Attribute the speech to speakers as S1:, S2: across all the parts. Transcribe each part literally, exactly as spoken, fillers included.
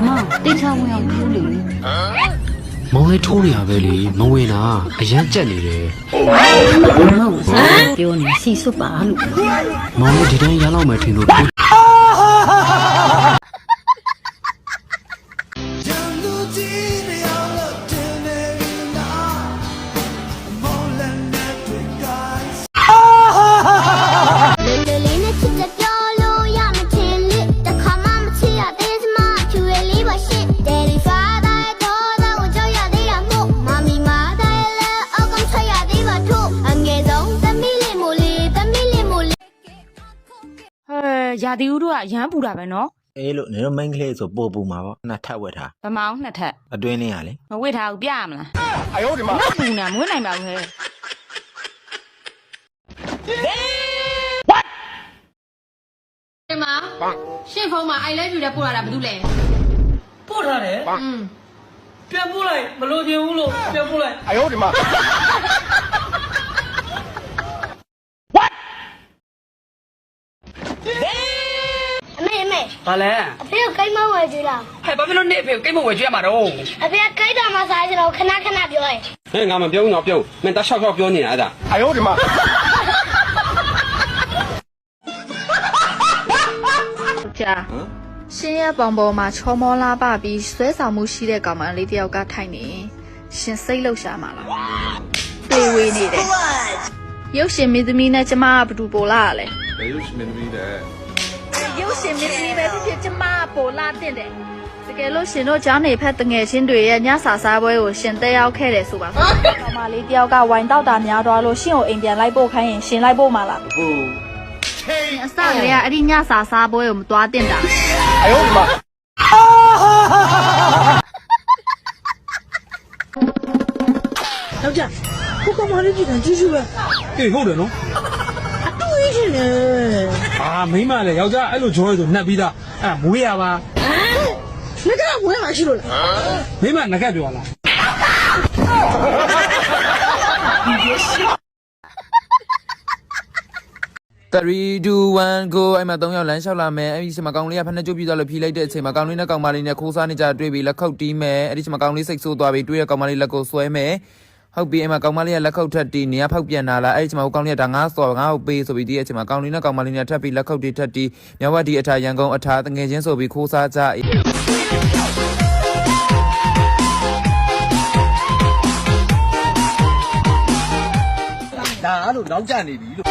S1: 妈，对象我要处理。
S2: မောင်လေးထိုးနေရပဲလေမဝင်တာအရန်ကြက်နေတယ်
S1: 妈，我才丢你细数八路。
S2: မောင်လေးဒီတိုင်းရလောက်မယ်ထင်လို့
S3: ရာသီဥတုကရမ်းပူတာပဲနော်
S4: အေးလို့နေတော့ main ကလေးဆိုပို့ပူမှာပေါ့နှစ်ထပ်ဝက်ထား
S3: ဗမောင်းနှစ်ထပ်
S4: အတွင်းလေးရလေ
S3: မဝစ်ထားဘူးပြရမလားအယောဒီမှာပူနေမဝစ်နိုင်ပါဘူးဟဲ့
S5: ဒီမှာရှင့်ဖုန်းမှာ I love you တဲ့ပို့လာတာဘာလို့လဲ
S6: ပို့ထားတယ်อืมပြန်ပို့လိုက်မလို့ချင်ဘူးလို့ပြန်ပို့လိုက်အယောဒီမှာ
S5: အမေအမေ
S6: ဘာလဲ
S5: အဖေကကိတ်မဝယ်ကြည့်လား
S6: ဟဲ့ဘာဖြစ်လို့နေအဖေကိုကိတ်မဝယ်ကြွရမှာတော့
S5: အဖေကကိတ်တာမှစားကြတော့ခဏခဏပြောရင်
S7: ဟဲ့ငါမပြောဘူးတော့ပြောမင်းတဆောက်ဆောက်ပြောနေတာအဲ့ဒါအယောဒီမှာ
S8: ကြာရှင်ရဲ့ပုံပေါ်မှာချောမောလာပပြီးဆွဲဆောင်မှုရှိတဲ့ကောင်မလေးတယောက်ကထိုင်နေရှင်စိတ်လှုပ်ရှားမှာလားတွေးဝေးနေတယ်ရုပ်ရှင်မင်းသမီးနဲ့ကျမကဘယ်သူပိုလာလဲရုပ်ရှင်မင်းသမီးနဲ့ရုပ်ရှင်မင်းသမီးပဲဖြစ်ဖြစ်ကျမကပိုလာတဲ့တယ်တကယ်လို့ရှင်တို့ကျောင်းနေဖက်တငယ်ချင်းတွေရဲ့ညစာစားပွဲကိုရှင်တက်ရောက်ခဲ့တယ်ဆိုပါကောင်မလေးတယောက်ကဝိုင်တောက်တာများသွားလို့ရှင်ကိုအိမ်ပြန်လိုက်ပို့ခိုင်းရင်ရှင်လိုက်ပို့မှာလားဟုတ်အစကတည်းကအဲ့ဒီညစာစားပွဲကိုမသွားတင်တာအယောမ
S6: ယောက်ျားကိုကောင်မလေးကြည့်တယ်ကြည့်ကြည့်ပဲအေးဟုတ်တယ်နော်အတူကြီးရှင်လေအာမိမလည်းယောက်ျားအဲ့လိုကြောရဲဆိုနှက်ပြီးသားအဲ့မွေးရပါငါကမွေးမှာရှိလို့လားမိမငါကပြောလား
S9: three two one go အဲ့မှာသုံးယောက်လမ်းလျှောက်လာမယ်အဲ့ဒီချိန်မှာကောင်လေးကဖက်နှက်ကျုပ်ပြီးသွားလို့ဖြီးလိုက်တဲ့အချိန်မှာကောင်လေးနဲ့ကောင်မလေးနဲ့ခိုးစားနေကြတွေ့ပြီးလက်ခုပ်တီးမယ်အဲ့ဒီချိန်မှာကောင်လေးစိတ်ဆိုးသွားပြီးတွေ့ရကောင်မလေးလက်ကိုဆွဲမယ်ဟုတ်ပြီအဲ့မှာကောင်မလေးကလက်ခုပ်ထက်တီးနေရဖောက်ပြန်လာလားအဲ့ဒီချိန်မှာကောင်လေးကဒါငါစော်ငါ့ကိုပေးဆိုပြီးဒီအချိန်မှာကောင်လေးနဲ့ကောင်မလေးနဲ့ထပ်ပြီးလက်ခုပ်တီးထက်တီးမြဝတီအထာရန်ကုန်အထာတငယ်ချင်းဆိုပြီးခိုးစားကြ
S6: ဒါအဲ့လိုနောက်ကျနေပြီလို့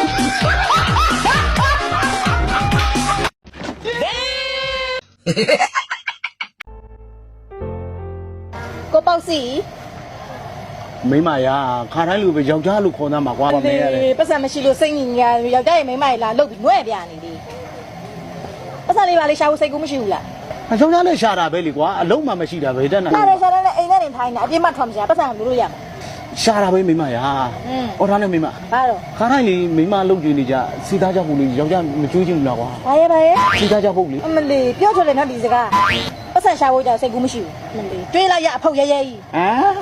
S5: ကိုပေါ့စီ
S10: မိမရခါတိုင်းလူပဲယောက်ျားလူခေါ်သားမှာကွာမမေရတယ်
S5: ပတ်စံမရှိလို့စိတ်ညစ်ညာယောက်ျားရဲ့မိန်းမကြီးလာလှုပ်ပြီးငွဲ့ပြနေလေပတ်စံလေးပါလေးရှာဖို့စိတ်ကူးမရှိဘူးလား
S10: အယောက်ျားလည်းရှာတာပဲလေကွာအလုံးမှမရှိတာပဲတဲ့နာ
S5: ရှာတယ်ရှာတယ်အိမ်ထဲနေထိုင်နေတာအပြစ်မှထွက်မရှာပတ်စံလို့လို့ရမှာ
S10: ရှာတာပဲမိမရအော်ထားနဲ့မိမ
S5: ဘာတော့
S10: ခါတိုင်းလေမိမလုတ်ကြည့်နေကြစီသားကြောက်ဖို့လေယောက်ျားမကြွေးချင်ဘူးလားကွာ
S5: ဘာရဲဘာရဲ
S10: စီသားကြောက်ဖို့လေ
S5: အမလီပြောထွက်တယ်နော်ဒီစကားပတ်စံရှာဖို့ကြောင့်စိတ်ကူးမရှိဘူးအမလီတွေးလိုက်ရအဖုတ်ရဲရဲကြီး
S10: ဟမ်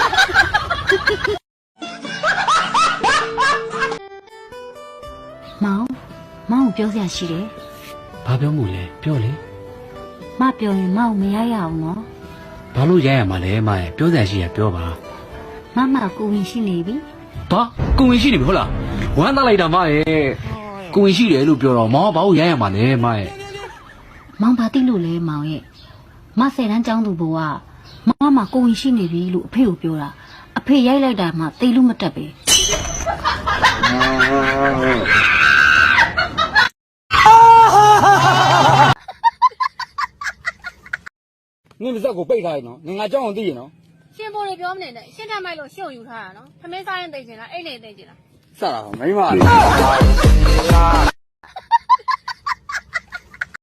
S1: မောင်မောင်ပြောစရာရှိတယ်
S2: ဘာပြောမှုလဲပြောလေ
S1: မပြောရင်မောင်မရရအောင်နော်
S2: ဘာလို့ရရမှာလဲမရဲ့ပြောစရာရှိရပြောပါ
S1: မမကိုဝင်ရှိနေပြီ
S2: ဘာကိုဝင်ရှိနေပြီဟုတ်လားဝမ်းသားလိုက်တာမရဲ့ကိုဝင်ရှိတယ်လို့ပြောတော့မောင်ကဘာလို့ရရမှာလဲမရဲ့
S1: မောင်ဘာသိလို့လဲမောင်ရဲ့မဆယ်တန်းကျောင်းသူဘိုးကမမကိုဝင်ရှိနေပြီလို့အဖေကိုပြောတာအဖေရိုက်လိုက်တာမှသိလို့မတက်ပဲ
S7: နင်းပါဇက်ကိုပိတ်ထားရနော်ငငါကြောက်အောင်သိရနော်
S5: ရှင်ပေါ်နေပြောမနေနဲ့ရှင်းထမိုက်လို့ရှင်းယူထားတာနော်ခမင်းစားရင်သိချင်လားအိတ်နေသိချင်လား
S7: စတာမိမ